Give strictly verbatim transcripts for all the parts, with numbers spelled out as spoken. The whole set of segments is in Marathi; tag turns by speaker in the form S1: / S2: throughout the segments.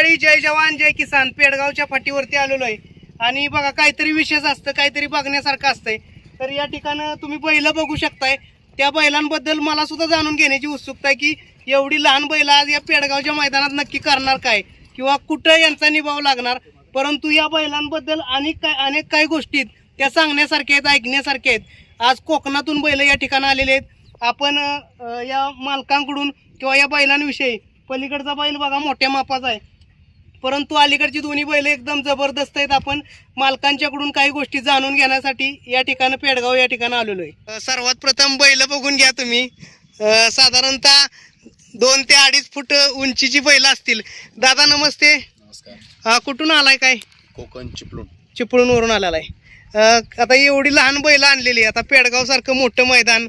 S1: मंडळी, जय जवान जय किसान. पेडगावच्या फाटीवरती आलेलो आहे आणि बघा काहीतरी विशेष असतं, काहीतरी बघण्यासारखं असतंय. तर या ठिकाणी तुम्ही बैल बघू शकताय. त्या बैलांबद्दल मला सुद्धा जाणून घेण्याची उत्सुकता आहे की एवढी लहान बैल आज या पेडगावच्या मैदानात नक्की करणार काय किंवा कुठं यांचा निभाव लागणार. परंतु या बैलांबद्दल अनेक काय अनेक काही गोष्टी त्या सांगण्यासारख्या आहेत, ऐकण्यासारख्या आहेत. आज कोकणातून बैल या ठिकाणी आलेले आहेत. आपण या मालकांकडून किंवा या बैलांविषयी, पलीकडचा बैल बघा मोठ्या मापाचा आहे परंतु अलीकडची दोन्ही बैल एकदम जबरदस्त आहेत. आपण मालकांच्याकडून काही गोष्टी जाणून घेण्यासाठी या ठिकाणी पेडगाव या ठिकाणी आलेलो आहे. सर्वात प्रथम बैल बघून घ्या तुम्ही. साधारणतः दोन ते अडीच फूट उंचीची बैल असतील. दादा नमस्ते.
S2: नमस्कार.
S1: हा, कुठून आलाय? काय
S2: कोकण चिपळूण.
S1: चिपळूणवरून आलेला आहे. आता एवढी लहान बैल आणलेली, आता पेडगाव सारखं मोठं मैदान,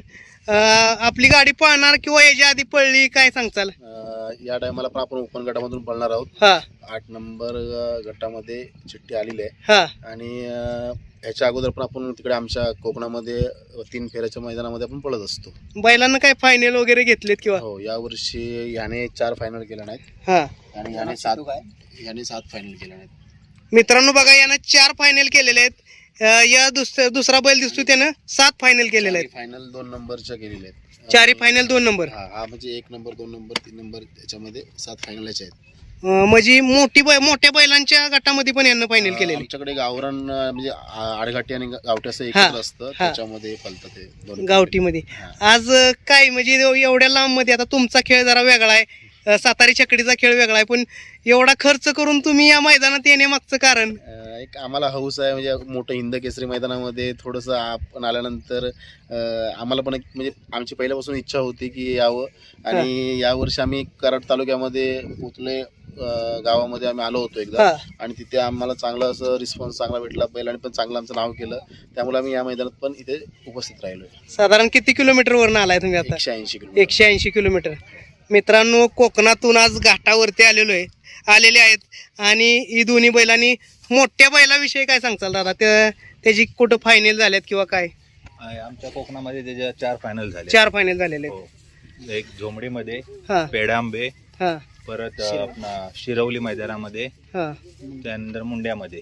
S1: आपली गाडी पळणार किंवा याच्या आधी पळली काय सांगचाल?
S2: या टायमाला पण आपण ओपन गटामधून पळणार आहोत.
S1: हा,
S2: आठ नंबर गटामध्ये चिठ्ठी आलेली आहे.
S1: हा,
S2: आणि ह्याच्या अगोदर पण आपण तिकडे आमच्या कोकणामध्ये तीन फेऱ्याच्या मैदानामध्ये आपण पळत असतो.
S1: बैलांना काय फायनल वगैरे घेतलेत किंवा?
S2: हो, या वर्षी ह्याने चार फायनल केल्या नाहीत.
S1: हा,
S2: आणि ह्याने सात ह्याने सात फायनल केल्या नाहीत.
S1: मित्रांनो बघा, यानं चार फायनल केलेले आहेत. या दुसरा दुसरा बैल दिसतो त्यानं सात फायनल केलेले आहेत.
S2: फायनल दोन नंबरच्या केलेल्या आहेत.
S1: चारी फायनल दोन नंबर.
S2: हा हा म्हणजे एक नंबर, दोन नंबर, तीन नंबर, त्याच्यामध्ये सात फायनल आहेत.
S1: म्हणजे मोठी बै मोठ्या बैलांच्या गटामध्ये पण यांना फायनल केलेली.
S2: आमच्याकडे गावरान म्हणजे आडघाटी आणि गावठी असं एकत्र असतं, त्याच्यामध्ये फलतं ते दोन
S1: गावठीमध्ये. आज काय म्हणजे एवढ्या लांब मध्ये, आता तुमचा खेळ जरा वेगळा आहे, सातारी छकडीचा खेळ वेगळा आहे, पण एवढा खर्च करून तुम्ही या मैदानात येण्यामागचं कारण?
S2: एक आम्हाला हौस आहे, म्हणजे मोठं हिंद केसरी मैदानामध्ये थोडंसं आपण आल्यानंतर आम्हाला पण एक म्हणजे आमची पहिल्यापासून इच्छा होती की यावं. आणि यावर्षी आम्ही कराड तालुक्यामध्ये उतले गावामध्ये आम्ही आलो होतो एकदा, आणि तिथे आम्हाला चांगला असं रिस्पॉन्स चांगला भेटला. बैलांनी पण चांगलं आमचं नाव केलं, त्यामुळे आम्ही या मैदानात पण इथे उपस्थित राहिलो.
S1: साधारण किती किलोमीटर वरून आलाय तुम्ही आता?
S2: एकशे ऐंशी किलोमीटर.
S1: एकशे ऐंशी किलोमीटर. मित्रांनो, कोकणातून आज घाटावरती आलेलो आहे आलेले आहेत. आणि ही दोन्ही बैलांनी, मोठ्या बैलाविषयी काय सांगचाल दादा? त्या त्याची कुठं फायनल झाल्यात किंवा काय?
S3: आमच्या कोकणामध्ये त्याच्या चार फायनल झाले.
S1: चार फायनल झालेले आहेत.
S3: एक झोमडीमध्ये,
S1: हा,
S3: पेडांबे,
S1: हा,
S3: परत आपला शिरवली मैदानामध्ये,
S1: हा,
S3: त्यानंतर मुंड्यामध्ये.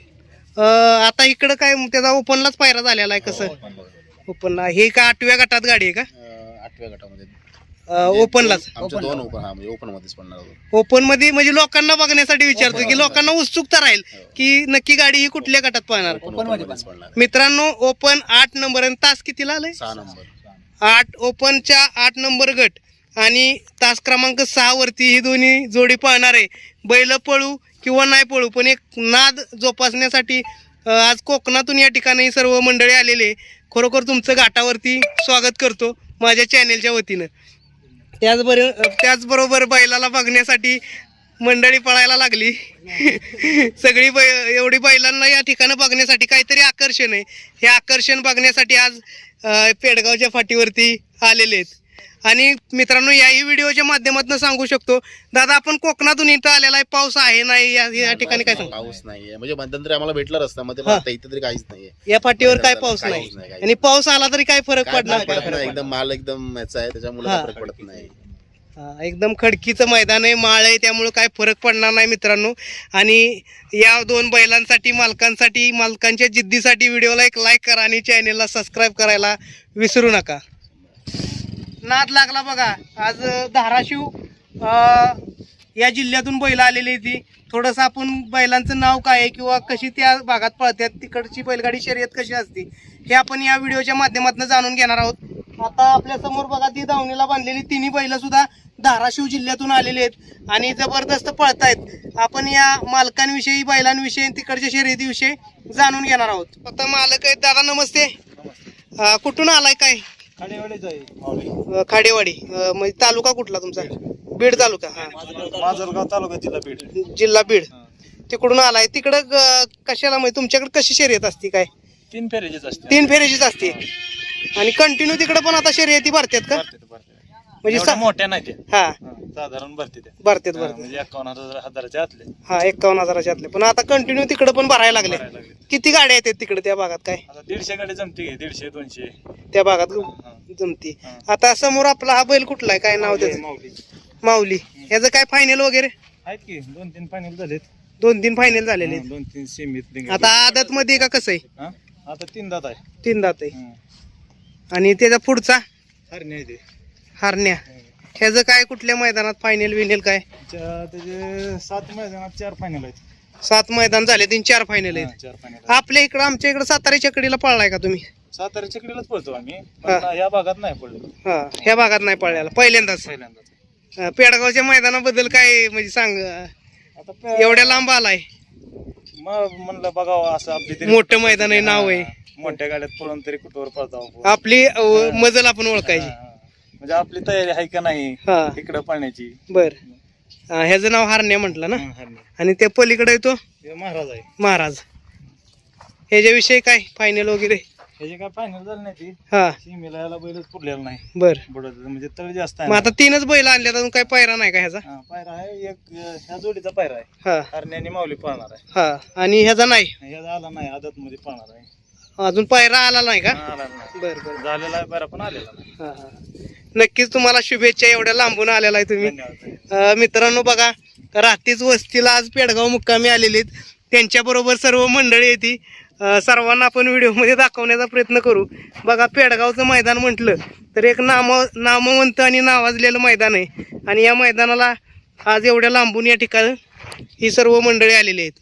S1: आता इकडं काय त्याचा ओपनलाच पायरा झालेला आहे? कसं ओपनला? हे का आठव्या गटात गाडी आहे का?
S2: आठव्या गटामध्ये
S1: ओपनलाच.
S2: दोन ओपन, हा म्हणजे ओपन मध्येच पडणार.
S1: ओपन मध्ये म्हणजे लोकांना बघण्यासाठी विचारतो की लोकांना उत्सुकता राहील की नक्की गाडी ही कुठल्या गटात पाहणार. मित्रांनो, ओपन आठ नंबर आणि तास कितीला आलाय?
S2: सहा नंबर.
S1: आठ ओपनच्या आठ नंबर गट आणि तास क्रमांक सहा वरती ही दोन्ही जोडी पाहणार आहे. बैल पळू किंवा नाही पळू, पण एक नाद जोपासण्यासाठी आज कोकणातून या ठिकाणी सर्व मंडळी आलेले. खरोखर तुमचं घाटावरती स्वागत करतो माझ्या चॅनेलच्या वतीनं. त्याचबरोबर त्याचबरोबर बैलाला बघण्यासाठी मंडळी पळायला लागली. सगळी बै एवढी बैलांना या ठिकाणी बघण्यासाठी काहीतरी आकर्षण आहे. हे आकर्षण बघण्यासाठी आज पेडगावच्या फाटीवरती आलेले आहेत. आणि मित्रांनो, याही व्हिडिओच्या माध्यमातून सांगू शकतो, दादा आपण कोकणातून इथं आलेला आहे, पाऊस आहे नाही या ठिकाणी? काय सांग?
S2: पाऊस नाहीये, म्हणजे मध्यंतरी आम्हाला भेटला रस्त्यामध्ये, पण इथं तरी काहीच नाहीये.
S1: या फाटीवर काय पाऊस नाही, आणि पाऊस आला तरी काय फरक पडणार?
S2: एकदम माल एकदम याचा आहे, त्याच्यामुळे फरक पडत नाही.
S1: एकदम खडकीचं मैदान आहे, माळ आहे, त्यामुळे काय फरक पडणार नाही मित्रांनो. आणि या दोन बैलांसाठी, मालकांसाठी, मालकांच्या जिद्दीसाठी व्हिडिओला एक लाईक करा आणि चॅनेलला सबस्क्राईब करायला विसरू नका. नाद लागला बघा. आज धाराशिव या जिल्ह्यातून बैल आलेली ती. थोडंसं आपण बैलांचं नाव काय आहे किंवा कशी त्या भागात पळतात, तिकडची बैलगाडी शर्यत कशी असते, हे आपण या व्हिडिओच्या माध्यमातून जाणून घेणार आहोत. आता आपल्या समोर बघा, ती दावणीला बांधलेली तिन्ही बैल सुद्धा धाराशिव जिल्ह्यातून आलेले आहेत आणि जबरदस्त पळतायत. आपण या मालकांविषयी, बैलांविषयी, तिकडच्या शर्यतीविषयी जाणून घेणार आहोत. आता मालक आहेत. दादा नमस्ते. कुठून आलाय? काय? खाडेवाडी. म्हणजे तालुका कुठला तुमचा? बीड तालुका.
S3: माजलगाव तालुका, जिल्हा बीड.
S1: जिल्हा बीड. तिकडून आलाय. तिकडं कशाला, म्हणजे तुमच्याकडे कशी शर्यत असते? काय
S3: तीन फेऱ्याचीच असते? तीन
S1: फेऱ्याचीच असते. आणि कंटिन्यू तिकडे पण आता शर्यती भरतात का? म्हणजे
S3: मोठ्या नाही,
S1: हा
S3: साधारण भरते
S1: भरतात भरतात
S3: म्हणजे एकावन्न हजाराच्या आतले.
S1: हा, एकावन्न हजाराच्या आतले. पण आता कंटिन्यू तिकडे पण भरायला लागले. किती गाड्या येतात तिकडे त्या भागात? काय
S3: दीडशे गाडी जमते, दीडशे दोनशे
S1: त्या भागात जमती. आता समोर आपला हा बैल कुठला आहे? काय नाव त्याचं? माऊली. ह्याचं काय फायनल वगैरे?
S3: आहेत की दोन तीन फायनल झालेत.
S1: दोन तीन फायनल झालेले
S3: हा, दोन तीन सेमीत
S1: आता आदत मध्ये का कसं आहे?
S3: हा आता तीन दात आहे.
S1: तीन दात आहे.
S3: हं.
S1: आणि त्याचा पुढचा
S3: हरणे आहे ते.
S1: हरण्या, ह्याचं काय कुठल्या मैदानात फायनल विनेल काय?
S3: च्या- त्याचे सात मैदानात चार फायनल आहेत.
S1: सात मैदान झाले तीन चार फायनल
S3: हा,
S1: आहेत.
S3: चार फायनल.
S1: आपल्या इकडं आमच्या इकडं साताऱ्याच्या कडीला पळलाय का तुम्ही?
S3: सातारा चिकडीलाच पळतो आम्ही,
S1: हा.
S3: पण या भागात नाही पडलो
S1: हा, ह्या भागात नाही पळलेला पहिल्यांदाच.
S3: पहिल्यांदाच.
S1: अं, पेडगावच्या मैदानाबद्दल काय म्हणजे सांग,
S3: आता पे-
S1: एवढ्या लांब आलाय,
S3: मग म्हणलं बघावं असं आपली तरी-
S1: मोठं मैदान आहे, नाव आहे.
S3: हा, मोठ्या गाड्यात पळून तरी कुठवर पळतो
S1: आपली अं, मजल आपण ओळखायची.
S3: म्हणजे आपली तयारी आहे का नाही
S1: हा,
S3: इकडं पळण्याची.
S1: बर. अं, ह्याचं नाव हरण्या म्हटलं ना.
S3: हा, हरणे.
S1: आणि त्या पलीकडे येतो
S3: हे महाराज आहे.
S1: महाराज. ह्याच्याविषयी काय फायनल वगैरे?
S3: ह्याची काय फायनल झाली नाही ती,
S1: हा,
S3: सीमेला याला बैलच पुरलेला नाही.
S1: बर.
S3: बुडत म्हणजे तळ जास्त आहे
S1: मग
S3: ना.
S1: आता तीनच बैल आणल्यात, अजून काय पायरा नाही का ह्याचा?
S3: हा, पायरा आहे एक, अं, ह्या जोडीचा पायरा आहे.
S1: हा
S3: हरणे आणि माऊली पळणार आहे.
S1: हा, आणि ह्याचा नाही,
S3: ह्याचा आला नाही, आदत मध्ये पळणार आहे.
S1: अजून पायरा आला नाही का?
S3: हा, आला नाही.
S1: बर बर.
S3: झालेला आहे पायरा पण आलेला नाही.
S1: हा हा, नक्कीच तुम्हाला शुभेच्छा, एवढ्या लांबून आलेला आहे तुम्ही.
S3: धन्यवाद.
S1: अं, मित्रांनो बघा, रात्रीच वस्तीला आज पेडगाव मुक्कामी आलेले आहेत, त्यांच्याबरोबर सर्व मंडळी येते. सर्वांना आपण व्हिडिओमध्ये दाखवण्याचा प्रयत्न करू. बघा, पेडगावचं मैदान म्हटलं तर एक नाम नामवंत आणि नावाजलेलं मैदान आहे, आणि या मैदानाला आज एवढ्या लांबून या ठिकाणी ही सर्व मंडळी आलेली आहेत.